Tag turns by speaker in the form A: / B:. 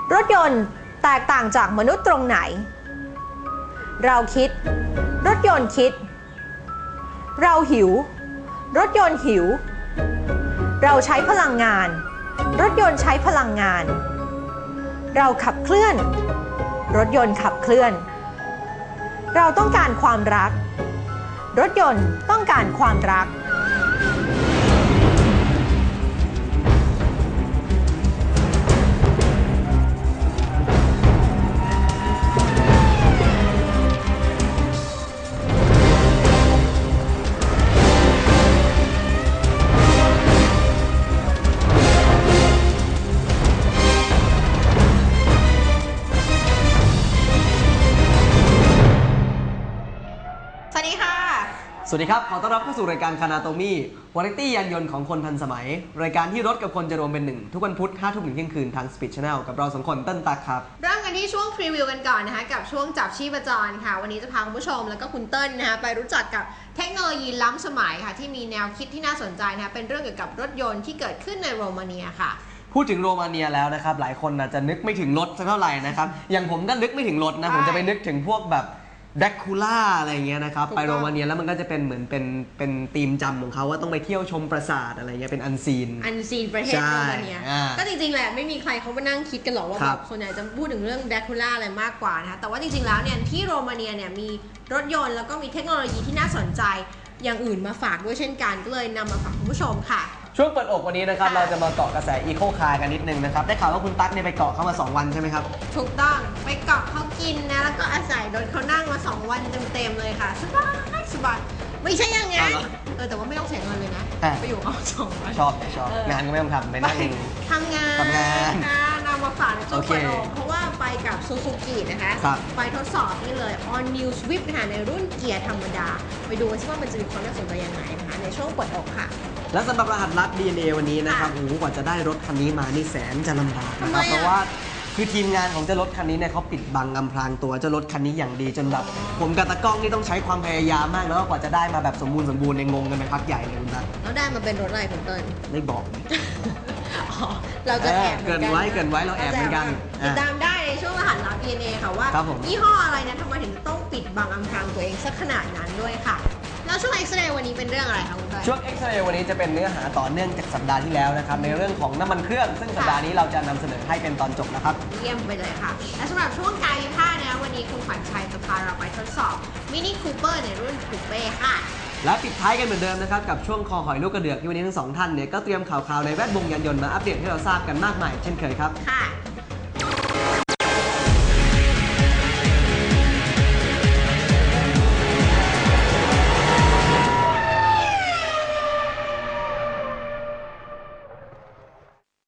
A: รถยนต์แตกต่างจากมนุษย์ตรงไหน เราคิดรถยนต์คิด เราหิวรถยนต์หิว เราใช้พลังงานรถยนต์ใช้พลังงาน เราขับเคลื่อนรถยนต์ขับเคลื่อน เราต้องการความรักรถยนต์ต้องการความรัก
B: สวัสดีครับขอต้อนรับเข้าสู่รายการคานาโตมี่วาไรตี้ยานยนต์ของคนทันสมัยรายการที่รถกับคนจะรวมเป็นหนึ่งทุกวันพุธ 5 ทุ่มถึงเที่ยงคืนทาง Speed Channel กับเรา2 คนเต้นตักครับ
C: เริ่มกันที่ช่วงพรีวิวกันก่อนนะคะกับช่วงจับชีพจรค่ะวันนี้จะพาคุณผู้ชมแล้วก็คุณเติ้ลนะคะไปรู้จักกับเทคโนโลยีล้ำสมัยค่ะที่มีแนวคิดที่น่าสนใจนะคะเป็นเรื่องเกี่ยวกับรถยนต์ที่เกิดขึ้นในโรมาเนียค่ะ
B: พูดถึงโรมาเนียแล้วนะครับหลายคนอาจจะนึกไม่ถึงรถสักเท่าไหร่นะครับอย่างผมก็นึกไม่ถึงรถนะผมจะไปนึกถึงพวกแบบแดกคูล่าอะไรเงี้ยนะครับไปโรมาเนียแล้วมันก็จะเป็นเหมือนเป็นธีมจำของเขาว่าต้องไปเที่ยวชมปราสาทอะไรเงี้ยเป็นอันซีน
C: ประเทศโรมาเนียก็จริงๆแหละไม่มีใครเขามานั่งคิดกันหรอกว่าแบบส่วนใหญ่จะพูดถึงเรื่องแดกคูล่าอะไรมากกว่านะคะแต่ว่าจริงๆแล้วเนี่ยที่โรมาเนียเนี่ยมีรถยนต์แล้วก็มีเทคโนโลยีที่น่าสนใจอย่างอื่นมาฝากด้วยเช่นกันก็เลยนำมาฝากคุณผู้ชมค่ะ
B: ช่วงเปิดอกวันนี้นะครับเราจะมาเกาะกระแสอีโคคาร์กันนิดนึงนะครับได้ข่าวว่าคุณตั๊กเนี่ยไปเกาะเขามา2 วันใช่ไหมครับ
C: ถูกต้องไปเกาะเขากินนะแล้วก็อาศัยรถเขานั่งมา2 วันเต็มๆเลยค่ะสบายไม่ใช่อย่างงั้นแต่ว่าไม่ต้องเสียเงินเลยนะไปอยู่เขา2 วัน
B: ชอบงานก็ไม่ต้องทำไปนั่งเอง
C: ทำงานนำมาฝากในช่วงเปิดอกเพราะว่าไปกับซูซูกินะคะไปทดสอบนี่เลย All New Swift นะคะในรุ่นเกียร์ธรรมดาไปดูกันซิว่ามันจะมีความน่าสนใจยังไงนะคะในช่วงเปิดอกค่ะ
B: และสำหรับรหัสลัด DNA วันนี้นะครับกว่าจะได้รถคันนี้มานี่แสนจะลำบากนะครับเพราะว่าคือทีมงานของเจ้ารถคันนี้เนี่ยเขาปิดบังอำพรางตัวเจ้ารถคันนี้อย่างดีจนแบบผมกับตากล้องนี่ต้องใช้ความพยายามมากแล้วกว่าจะได้มาแบบสมบูรณ์ในงงกันไปพักใหญ่เลยคุณตั๊ก
C: แล้วได้มาเป็นรถอะไรคุณเติ้ล
B: ไม่บอก
C: เราจะแอบ
B: เกินไว้เราแอบเหมือนกัน
C: ติดตามได้ในช่วงรหัสลับ DNA ค่ะว่ายี่ห้ออะไรนะทำไมถึงต้องปิดบังอำพรางตัวเองสักขนาดนั้นด้วยค่ะแล้วช่วง X-ray วันนี้เป็นเรื่องอะไรคะคุณเติ้ล
B: ช่วง X-ray วันนี้จะเป็นเนื้อหาต่อเนื่องจากสัปดาห์ที่แล้วนะครับในเรื่องของน้ำมันเครื่องซึ่งสัปดาห์นี้เราจะนำเสนอให้เป็นตอนจบนะครับ
C: เยี่ยมไปเลยค่ะและสำหรับช่วงกายวิภาคนะวันนี้คุณขวัญชัยจะพาเราไปทดสอบมินิคูเปอร์ในรุ่นคูเป้ค่ะ
B: และปิดท้ายกันเหมือนเดิมนะครับกับช่วงคอหอยลูกกระเดือกที่วันนี้ทั้ง2 ท่านเนี่ยก็เตรียมข่าวในแวดวงยานยนต์มาอัปเดตให้เราทราบกันมากมายเช่นเคยครับ
C: ค่ะ